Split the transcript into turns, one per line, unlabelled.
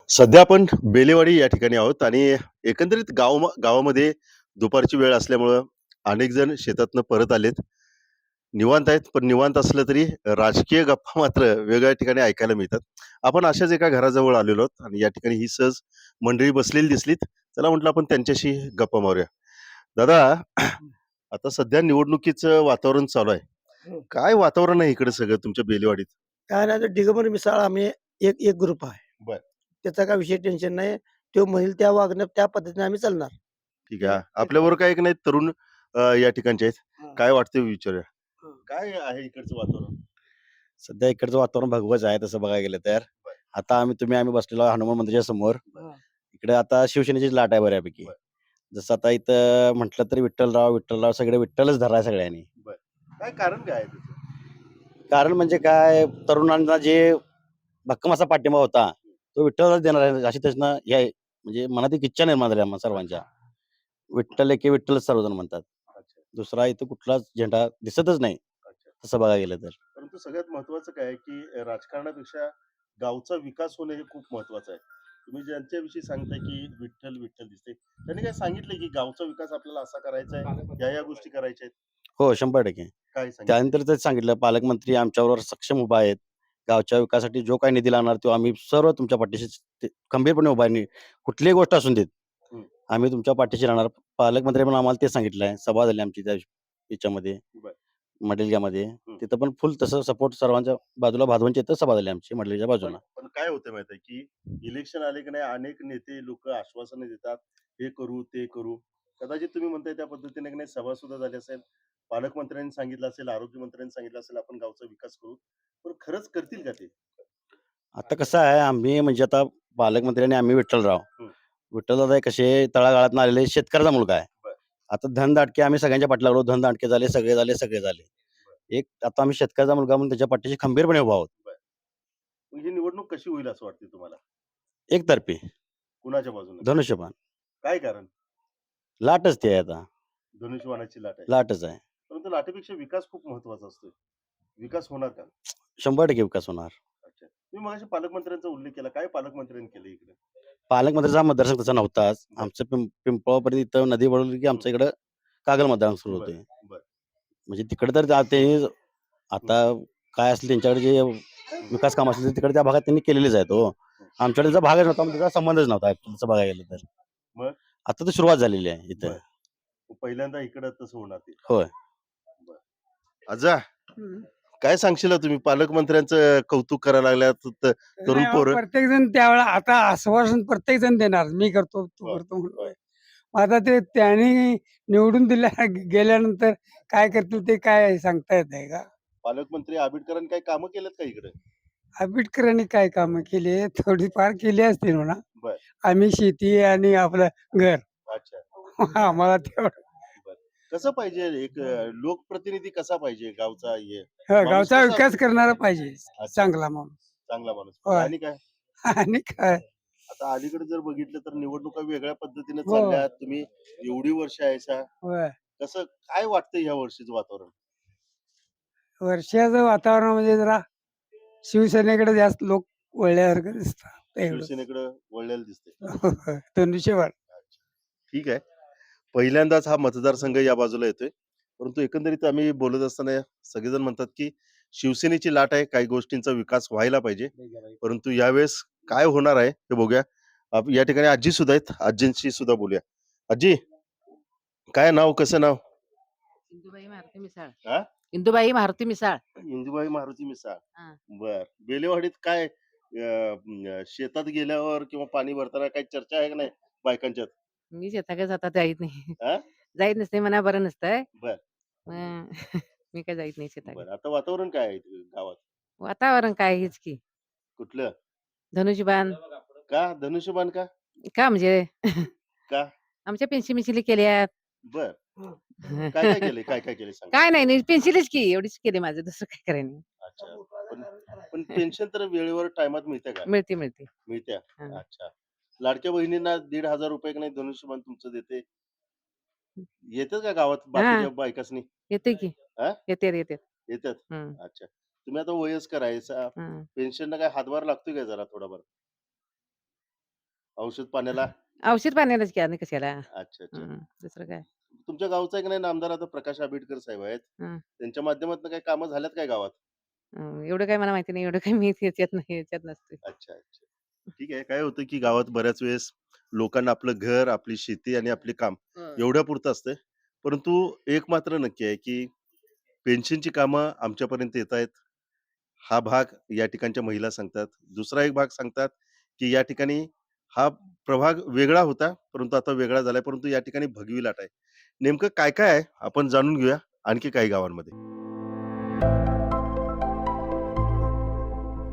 सध्या आपण बेलेवाडी या ठिकाणी आहोत आणि एकंदरीत गावामध्ये दुपारची वेळ असल्यामुळं अनेक जण शेतातनं परत आलेत. निवांत आहेत, पण निवांत असलं तरी राजकीय गप्पा मात्र वेगळ्या ठिकाणी ऐकायला मिळतात. आपण अशाच एका घराजवळ आलेलो आहोत आणि या ठिकाणी ही सहज मंडळी बसलेली दिसलीत. चला म्हटलं आपण त्यांच्याशी गप्पा मारूया. दादा, आता सध्या निवडणुकीचं वातावरण चालू आहे.
हं.
काय वातावरण आहे इकडे सगळं तुमच्या बेलेवाडीत?
काय नाही तर दिगंबर मिसाळ आम्ही एक एक ग्रुप आहे.
बरं.
त्याचा काही विषय टेन्शन नाही. तो म्हणेल त्या वागण्यात त्या पद्धतीने आम्ही चालणार.
ठीक
ते
आहे.
ते
आपल्याबरोबर काही एक नाही तरुण या ठिकाणचे आहेत.
हां,
काय वाटतं विचारूया.
हां.
काय आहे इकडचं वातावरण?
सध्या इकडचं वातावरण भगवंच आहे तसं बघायला गेलं तर.
बरं.
आता आम्ही बसलेलो आहे हनुमान मंदिराच्या समोर.
हां.
इकडे आता शिवसेनेचीच लाट आहे बऱ्यापैकी.
बरं.
जसं आता इथं म्हटलं तरी विठ्ठलराव सगळे विठ्ठलच धराय सगळ्यांनी.
बरं. काय कारण काय आहे त्याचं?
कारण म्हणजे काय तरुणांना जे भक्कम असा पाठिंबा होता, तो विठ्ठलच देणार आहे अशी त्याच्यानं हे आहे. म्हणजे मनात एक इच्छा निर्माण झाली आम्हा सर्वांच्या. विठ्ठल एके विठ्ठलच सर्वजण म्हणतात.
अच्छा,
दुसरा इथं कुठलाच झेंडा दिसतच नाही
अच्छा.
तसं बघायला गेलं तर.
परंतु सगळ्यात महत्त्वाचं काय आहे, की राजकारणापेक्षा गावचा विकास होणं हे खूप महत्त्वाचं आहे. तुम्ही ज्यांच्याविषयी सांगताय, की विठ्ठल, विठ्ठल दिसते. त्यांनी काय सांगितलंय, की गावचा विकास आपल्याला असा करायचा आहे, या गोष्टी करायच्या आहेत.
हो, 100%.
काय सांगितलंय?
त्यानंतर तेच सांगितलं पालकमंत्री आमच्याबरोबर सक्षम उभा आहेत. गावच्या विकासासाठी जो काही निधी लागणार तो आम्ही सर्व तुमच्या पाठीशी खंबीरपणे उभा आहे. कुठलीही गोष्ट असून देत,
हं.
आम्ही तुमच्या पाठीशी राहणार. पालकमंत्री पण आम्हाला तेच सांगितलं आहे. सभा झाली आमची त्या याच्यामध्ये
बरं.
मडेलग्यामध्ये.
हं.
तिथं पण फुल तसं सपोर्ट सर्वांच्या बाजूला भादवनच्या इथं सभा झाली आमची मडेलच्या
पण
बाजूला.
पण काय होतं माहिती आहे, की इलेक्शन आले की नाही अनेक नेते लोकं आश्वासनं देतात, हे करू, ते करू. कदाचित तुम्ही म्हणताय त्या पद्धतीने की नाही सभा सुद्धा झाली असेल, पालकमंत्र्यांनी सांगितलं असेल, आरोग्यमंत्र्यांनी सांगितलं असेल, आपण गावचा विकास करू. पण खरंच करतील का ते?
आता कसं आहे आम्ही म्हणजे आता पालकमंत्री आणि आम्ही विठ्ठलराव.
हं.
विठ्ठलदादा हे कसे तळागाळातून आलेले शेतकऱ्याचा मुलगा आहे.
बरं.
आता धनदाटके आम्ही सगळ्यांच्या पाठी लागलो. धनदाटके झाले, सगळे झाले, सगळे झाले. एक आता आम्ही शेतकऱ्याचा मुलगा म्हणून त्याच्या पाठीशी खंबीरपणे उभा आहोत.
बरं. मग ही निवडणूक कशी होईल असं वाटते तुम्हाला?
एकतर्फी
कुणाच्या बाजूने?
धनुष्यबाण.
काय कारण?
लाटच ती आहे आता.
धनुष्यबाणाची लाट आहे.
लाटच आहे.
परंतु लाटेपेक्षा विकास खूप महत्त्वाचा असतो. विकास होणार का?
100% विकास होणार.
अच्छा. तुम्ही मगाशी पालकमंत्र्यांचा उल्लेख केला. काय पालकमंत्र्यांनी केलं इकडे?
पालकमंत्र्यांचा मतदारसंघ तसा नव्हताच.
बरं.
आमचं पिंपळापर्यंत इथं नदी वळवली की आमच्या इकडं कागल मतदान सुरू
बरं,
होतंय.
बरं.
म्हणजे तिकडे तर ते आता काय असेल त्यांच्याकडे जे विकास काम असतील तिकडे त्या भागात त्यांनी केलेलेच आहेत हो. आमच्याकडे त्याचा भागच नव्हता, म्हणजे त्याचा संबंधच नव्हता तसं बघायला गेलं तर.
मग?
आता तर सुरुवात झालेली आहे इथं.
बरं. पहिल्यांदा इकडं तसं होणार ते.
होय.
बरं. आजा,
हं.
काय सांगशील तुम्ही पालकमंत्र्यांचं कौतुक करायला लागल्यात तरुण
नाही अहो,
पोरं?
प्रत्येक जण त्यावेळेला आता आश्वासन प्रत्येक जण देणार. मी करतो, तू
हो,
करतो म्हणतोय. मग आता ते त्यांनी निवडून गेल्यानंतर काय करतील ते काय सांगता येत नाही का?
पालकमंत्री आबिडकरांनी काही कामं केलेत का इकडे?
आंबेडकरांनी काय कामं केली? थोडीफार केली असतील म्हणा.
बरं.
आम्ही शेती आणि आपलं घर
अच्छा.
आम्हाला तेवढं
बरं. कसं पाहिजे एक लोकप्रतिनिधी कसा पाहिजे गावचा हे?
हं,
माणूस
गावचा
कसा
विकास करणारा पाहिजे.
अच्छा.
चांगला माणूस.
चांगला माणूस पाहिजे.
होय.
आणि काय?
आणि काय?
आता अलीकडे जर बघितलं तर निवडणुका वेगळ्या पद्धतीने
हो.
चालल्यात. तुम्ही एवढी वर्ष आहेसा.
होय.
कसं काय वाटतं या वर्षीचं वातावरण?
वर्षाचं वातावरण म्हणजे जरा शिवसेनेकडे जास्त लोक वळल्यासारखं दिसतं. एवढंच.
शिवसेनेकडे वळलेलं दिसतंय.
धनुष्यबाण.
अच्छा. ठीक आहे. पहिल्यांदाच हा मतदारसंघ या बाजूला येतोय. परंतु एकंदरीत आम्ही बोलत असताना सगळेजण म्हणतात, की शिवसेनेची लाट आहे. काही गोष्टींचा विकास व्हायला पाहिजे. परंतु यावेळेस काय होणार आहे हे बघूया. या ठिकाणी आजी सुद्धा आहेत. आजींशी सुद्धा बोलूया. आजी, काय नाव? कसं नाव?
इंदुबाई मारुती मिसाळ.
हां?
इंदुबाई मारुती मिसाळ.
इंदुबाई मारुती मिसाळ.
हां.
बरं. बेलेवाडीत काय शेतात गेल्यावर किंवा पाणी भरताना काही चर्चा आहे का नाही बायकांच्यात?
मी शेताकडे जाता जाईत नाही.
हां?
जाईत नसते मला बरं नसतंय.
बरं,
अ, मी काय जाईत नाही शेताकडे.
बरं. आता वातावरण काय आहे इथे गावात?
वातावरण काय हेच की
कुठलं?
धनुष्यबाण
का? धनुष्यबाण का?
का म्हणजे
का?
आमच्या पेन्सिली केल्यात.
बरं. काय-काय केलंय? काय-काय केलंय सांगा?
काय नाही पेन्सिलच की एवढीच केली माझं दुसरं काय करायला नाही.
अच्छा. पण पण पेन्शन तर वेळेवर टायमात मिळते का?
मिळते.
मिळते.
हां.
अच्छा. लाडक्या बहिणींना 1,500 का नाही धनुष्यबाण तुमचं देते. येतात का गावात
हां.
बाकीच्या बायकासनी?
येते की.
हां?
येतात.
येतात.
हं.
अच्छा. तुम्ही आता वयस्कर आहे.
हं.
पेन्शनला काय हातभार लागतोय का जरा थोडाफार? औषध पाण्याला
औषध पाण्यालाच की आणि कशाला.
अच्छा अच्छा.
दुसरं काय.
तुमच्या गावचा एक नाही नामदार आता प्रकाश आंबेडकर साहेब आहेत.
हं.
त्यांच्या माध्यमातून काही कामं झाल्यात काय गावात?
एवढं काही मला माहिती नाही. एवढं काही मी ह्याच्यात नसते.
अच्छा अच्छा. ठीक आहे. काय होतं की गावात बऱ्याच वेळेस लोकांना आपलं घर, आपली शेती आणि आपले काम एवढ्यापुरतं असतंय. परंतु एक मात्र नक्की आहे की पेन्शनची कामं आमच्यापर्यंत येतायत. हा भाग या ठिकाणच्या महिला सांगतात. दुसरा एक भाग सांगतात, की या ठिकाणी हा प्रभाग वेगळा होता, परंतु आता वेगळा झालाय. परंतु या ठिकाणी भगवी लाट आहे. नेमकं काय-काय आहे आपण जाणून घेऊया आणखी काही गावांमध्ये.